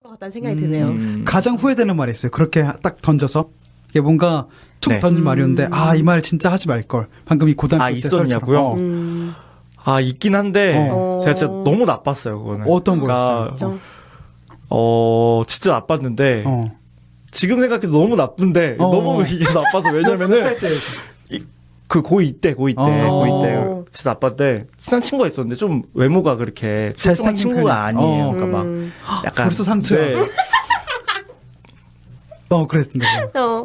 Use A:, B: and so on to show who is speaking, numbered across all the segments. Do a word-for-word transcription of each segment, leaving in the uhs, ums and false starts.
A: 것 같다는 생각이 드네요.
B: 음.
C: 가장 후회되는 말이 있어요. 그렇게 딱 던져서 이게 뭔가 툭
B: 네.
C: 던진 말이었는데 아, 이 말 진짜 하지 말 걸. 방금 이 고등학교
B: 아,
C: 때
B: 있었냐고요?
C: 썰처럼. 어.
A: 음.
B: 아, 있긴 한데
A: 어.
B: 제가 진짜 너무 나빴어요, 그거는.
C: 어떤
B: 그러니까,
A: 좀.
B: 어, 진짜 나빴는데
C: 어.
B: 지금 생각해도 너무 나쁜데
C: 어.
B: 너무 이게 나빠서 왜냐면은 그 고이 때 고이 때
C: 어.
B: 고이 때 진짜 나빴는데 친한 친구가 있었는데 좀 외모가 그렇게 출중한
C: 잘생긴
B: 친구가
C: 편이-
B: 아니에요.
C: 어.
B: 그러니까 막
A: 음.
B: 약간
C: 벌써 상처야.
B: 네.
C: 어, 그랬는데.
A: 어.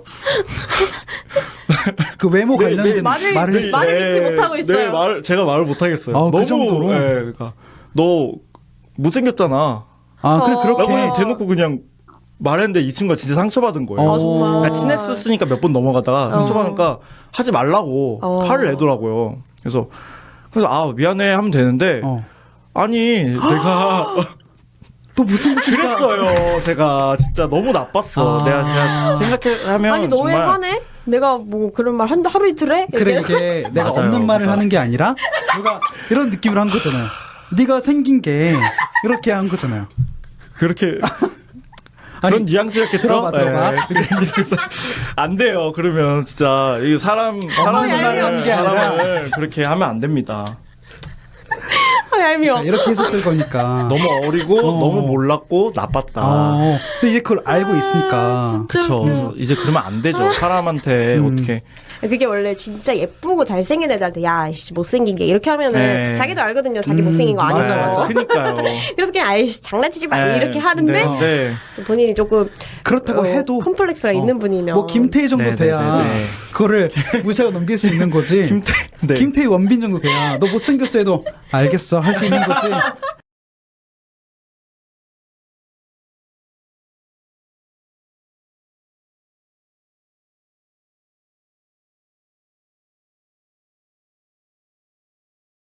C: 그 외모
B: 네,
C: 관련된
B: 네.
A: 말을-
C: 말을
A: 네. 말을 잊지 못하고 있어요.
B: 네, 말 제가 말을 못 하겠어요.
C: 아, 그
B: 너무
C: 정도로?
B: 예, 그러니까 너 못생겼잖아.
C: 아, 그래
A: 어.
C: 그렇게
B: 라고 그냥 대놓고 그냥 말했는데 이 친구가 진짜 상처받은 거예요.
A: 아, 정말.
B: 그러니까 친했었으니까 몇 번 넘어가다가
A: 어.
B: 상처받으니까 하지 말라고
A: 어.
B: 화를 내더라고요. 그래서 그래서 아 미안해 하면 되는데
C: 어.
B: 아니 내가
C: 또 무슨
B: 그랬어요. 제가 진짜 너무 나빴어.
C: 아.
B: 내가 진짜 생각하면
A: 아니 너 왜
B: 정말
A: 화내? 내가 뭐 그런 말 한다 하루 이틀 해?
C: 그래
A: 이렇게.
C: 이게 내가
B: 맞아요.
C: 없는 말을
B: 그러니까.
C: 하는 게 아니라 누가 이런 느낌으로 한 거잖아요. 네가 생긴 게 이렇게 한 거잖아요.
B: 그렇게
C: 아니,
B: 그런 뉘앙스였겠죠?
C: 들어봐, 들어봐.
B: 네. 그래서 안 돼요. 그러면 진짜 이 사람 사람을
C: 얄미운 게 아니라.
B: 사람을 그렇게 하면 안 됩니다.
A: 아, 얄미워.
C: 자, 이렇게 했었을 거니까.
B: 너무 어리고
C: 어.
B: 너무 몰랐고 나빴다.
C: 어. 근데 이제 그걸 알고 있으니까.
B: 그쵸.
A: 음.
B: 이제 그러면 안 되죠. 사람한테
C: 음.
B: 어떻게.
A: 그게 원래 진짜 예쁘고 잘생긴 애들한테 야, 씨, 못생긴 게 이렇게 하면은
B: 네.
A: 자기도 알거든요. 자기
C: 음,
A: 못생긴 거 아닌
C: 맞아,
A: 거.
C: 맞아.
B: 그니까요.
A: 그래서 그냥 아이씨 장난치지 마
B: 네.
A: 이렇게 하는데
B: 네. 네.
A: 본인이 조금
C: 그렇다고
A: 어,
C: 해도
A: 컴플렉스가
C: 어,
A: 있는 분이면
C: 뭐 김태희 정도
B: 네, 네,
C: 돼야
B: 네, 네.
C: 그거를 무시하고 넘길 수 있는 거지.
B: 김태, 네.
C: 김태희 원빈 정도 돼야 너 못생겼어 해도 알겠어 할 수 있는 거지.